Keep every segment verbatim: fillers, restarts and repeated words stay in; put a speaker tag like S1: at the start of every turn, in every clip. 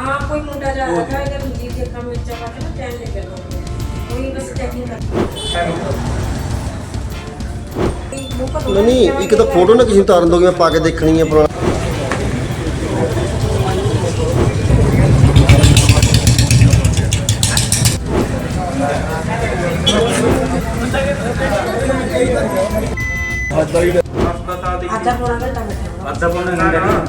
S1: हाँ कोई मुंडा जा रहा था इधर मुझे देखा मैं चला था चैन लेके गया कोई बस चेकिंग कर
S2: नहीं एक तो फोटो ना किसी उतारन दोगे, मैं पा के देखनी है पुराना।
S1: आधा पौना घंटा बैठा
S3: आधा पौना घंटा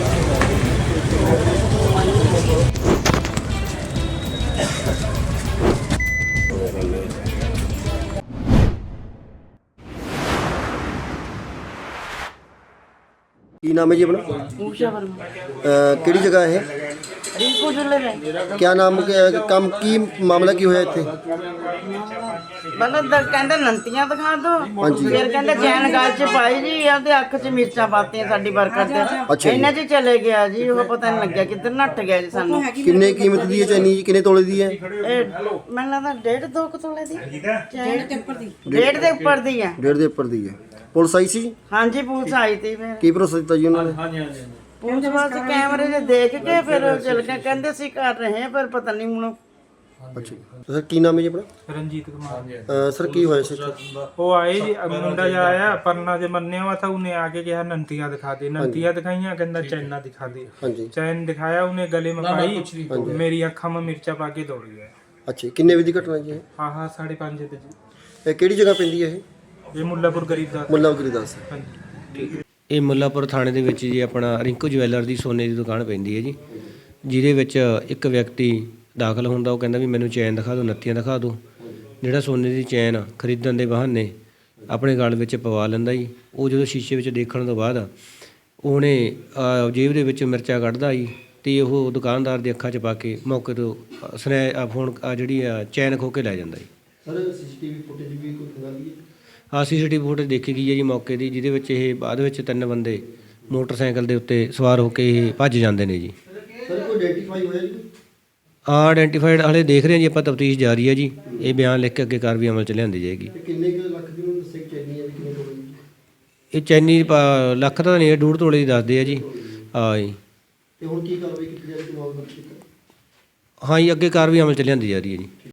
S2: की नाम है जी अपना?
S4: ऊषा वर्मा
S2: अ, किहड़ी जगह है?
S4: रिंकू जुले में
S2: क्या नाम क्या- काम की मामला की होया इत्थे?
S4: मतलब द- ਕਹਿੰਦੇ ਨੰਤੀਆਂ ਦਿਖਾ ਦੋ
S2: ਹਾਂਜੀ।
S4: ਫਿਰ ਕਹਿੰਦੇ ਚੈਨ ਗਲ ਚ ਪਾਈ ਜੀ ਉਹਦੇ ਅੱਖ ਚ ਮਿਰਚਾਂ ਪਾਤੀਆਂ ਸਾਡੀ ਵਰਕਰ ਦੇ
S2: ਅੱਛਾ ਜੀ।
S4: ਇਹਨਾਂ ਚ ਚਲੇ ਗਿਆ ਜੀ ਉਹ ਪਤਾ ਨਹੀਂ ਲੱਗਿਆ ਕਿੱਧਰ ਨੱਟ ਗਿਆ ਜੀ ਸਾਨੂੰ
S2: ਕਿੰਨੇ ਕੀਮਤ ਦੀ ਹੈ ਚੈਨੀ ਜੀ, ਕਿੰਨੇ ਤੋਲੇ ਦੀ ਹੈ?
S4: ਇਹ ਮੈਨੂੰ ਲੱਗਦਾ ਡੇਢ ਦੋ ਕੁ ਤੋਲੇ ਦੀ
S1: डेढ़ के ऊपर दी
S4: ਡੇਢ ਦੇ ਉੱਪਰ ਦੀ ਹੈ
S2: ਡੇਢ ਦੇ ਉੱਪਰ ਦੀ ਹੈ। ਪੁਲਿਸ ਆਈ ਸੀ?
S4: ਹਾਂਜੀ ਪੁਲਿਸ ਆਈ ਤੀ ਫਿਰ
S2: ਕੀ ਭਰੋਸਾ ਦਿੱਤਾ ਜੀ ਉਹਨਾਂ ਨੇ?
S4: ਪੁਲਿਸ ਬਸ ਕੈਮਰੇ 'ਚ ਦੇਖ ਕੇ ਫਿਰ ਉਹ ਚਲ ਕੇ ਕਹਿੰਦੇ ਸੀ ਕਰ ਰਹੇ ਹਾਂ ਪਰ ਪਤਾ ਨਹੀਂ ਹੁਣ
S2: ਅੱਛਾ ਸਰ ਕੀ ਨਾਮ ਹੈ ਜੀ ਆਪਣਾ?
S5: रंजीत कुमार
S2: ਅ, ਸਰ ਕੀ ਹੋਇਆ ਸੀ ਇੱਥੇ?
S5: वो आए जी अब मुंडा जो आया परना जो मरने हुआ था उन्हें आके कहा नंतियां दिखा दे नंतियां दिखाइया कहना चैना दिखा दे
S2: ਹਾਂਜੀ
S5: चैन दिखाया उन्हें गले में पाई मेरी अखा में मिर्चा पा के दौड़ गया
S2: ਅੱਛਾ ਕਿੰਨੇ ਵਜੇ ਦੀ ਘਟਨਾ ਜੀ ਇਹ?
S5: हाँ हाँ साढ़े पाँच बजे जी
S2: ਇਹ ਕਿਹੜੀ ਜਗ੍ਹਾ ਪੈਂਦੀ ਹੈ ਇਹ?
S5: ये मुल्लापुर गरीबदास
S2: ਮੁੱਲਾ ਗਰੀਦਾਸ।
S5: हाँ जी
S6: ਇਹ ਮੁੱਲਾਪੁਰ ਥਾਣੇ ਦੇ ਵਿੱਚ ਜੀ ਆਪਣਾ ਰਿੰਕੂ ਜਵੈਲਰ ਦੀ ਸੋਨੇ ਦੀ ਦੁਕਾਨ ਪੈਂਦੀ ਹੈ ਜੀ, ਜਿਹਦੇ ਵਿੱਚ ਇੱਕ ਵਿਅਕਤੀ ਦਾਖਲ ਹੁੰਦਾ। ਉਹ ਕਹਿੰਦਾ ਵੀ ਮੈਨੂੰ ਚੈਨ ਦਿਖਾ ਦਿਓ, ਨੱਤੀਆਂ ਦਿਖਾ ਦਿਓ। ਜਿਹੜਾ ਸੋਨੇ ਦੀ ਚੈਨ ਖਰੀਦਣ ਦੇ ਬਹਾਨੇ ਆਪਣੇ ਗਲ ਵਿੱਚ ਪਵਾ ਲੈਂਦਾ ਜੀ। ਉਹ ਜਦੋਂ ਸ਼ੀਸ਼ੇ ਵਿੱਚ ਦੇਖਣ ਤੋਂ ਬਾਅਦ ਉਹਨੇ ਅਹ, ਜੇਬ ਦੇ ਵਿੱਚ ਮਿਰਚਾਂ ਕੱਢਦਾ ਜੀ ਅਤੇ ਉਹ ਦੁਕਾਨਦਾਰ ਦੀ ਅੱਖਾਂ 'ਚ ਪਾ ਕੇ ਮੌਕੇ ਤੋਂ ਸਨੈ ਆ ਫੋਨ ਆ ਜਿਹੜੀ ਆ ਚੈਨ ਖੋਹ ਕੇ ਲੈ ਜਾਂਦਾ ਜੀ।
S2: ਸਰ ਸੀਸੀਟੀਵੀ ਫੁਟੇਜ ਵੀ ਕੋਈ ਖੰਗਾ ਦੀ ਹੈ?
S6: ਹਾਂ ਸੀ ਸੀ ਟੀ ਵੀ ਫੁਟੇਜ ਦੇਖੀ ਗਈ ਹੈ ਜੀ ਮੌਕੇ ਦੀ, ਜਿਹਦੇ ਵਿੱਚ ਇਹ ਬਾਅਦ ਵਿੱਚ ਤਿੰਨ ਬੰਦੇ ਮੋਟਰਸਾਈਕਲ ਦੇ ਉੱਤੇ ਸਵਾਰ ਹੋ ਕੇ ਇਹ ਭੱਜ ਜਾਂਦੇ ਨੇ ਜੀ।
S2: ਸਰ ਕੋਈ ਆਈਡੈਂਟੀਫਾਈ ਹੋਇਆ ਜੀ?
S6: ਹਾਂ ਆਇਡੈਂਟੀਫਾਈਡ ਹਾਲੇ ਦੇਖ ਰਹੇ ਹਾਂ ਜੀ ਆਪਾਂ, ਤਫਤੀਸ਼ ਜਾਰੀ ਹੈ ਜੀ। ਇਹ ਬਿਆਨ ਲਿਖ ਕੇ ਅੱਗੇ ਕਾਰਵਾਈ ਅਮਲ 'ਚ ਲਿਆਂਦੀ ਜਾਏਗੀ।
S2: ਤੇ ਕਿੰਨੇ ਕੁ ਲੱਖ ਦੀ ਉਹਨੂੰ ਦੱਸਿਆ ਚੈਨੀ ਹੈ ਵੀ ਕਿੰਨੇ ਤੋਲੇ ਦੀ?
S6: ਇਹ ਚੈਨੀ ਪਾ- ਲੱਖ ਤਾਂ ਨਹੀਂ ਹੈ, ਡੂਢ ਤੋਲੇ ਦੀ ਦੱਸਦੇ ਆ ਜੀ। ਹਾਂ ਜੀ
S2: ਤੇ ਹੁਣ ਕੀ ਕਾਰਵਾਈ ਕੀਤੀ ਜਾ ਰਹੀ ਹੈ ਮਾਮਲਾ?
S6: ਹਾਂ ਜੀ ਅੱਗੇ ਕਾਰਵਾਈ ਅਮਲ 'ਚ ਲਿਆਂਦੀ ਜਾ ਰਹੀ ਹੈ ਜੀ।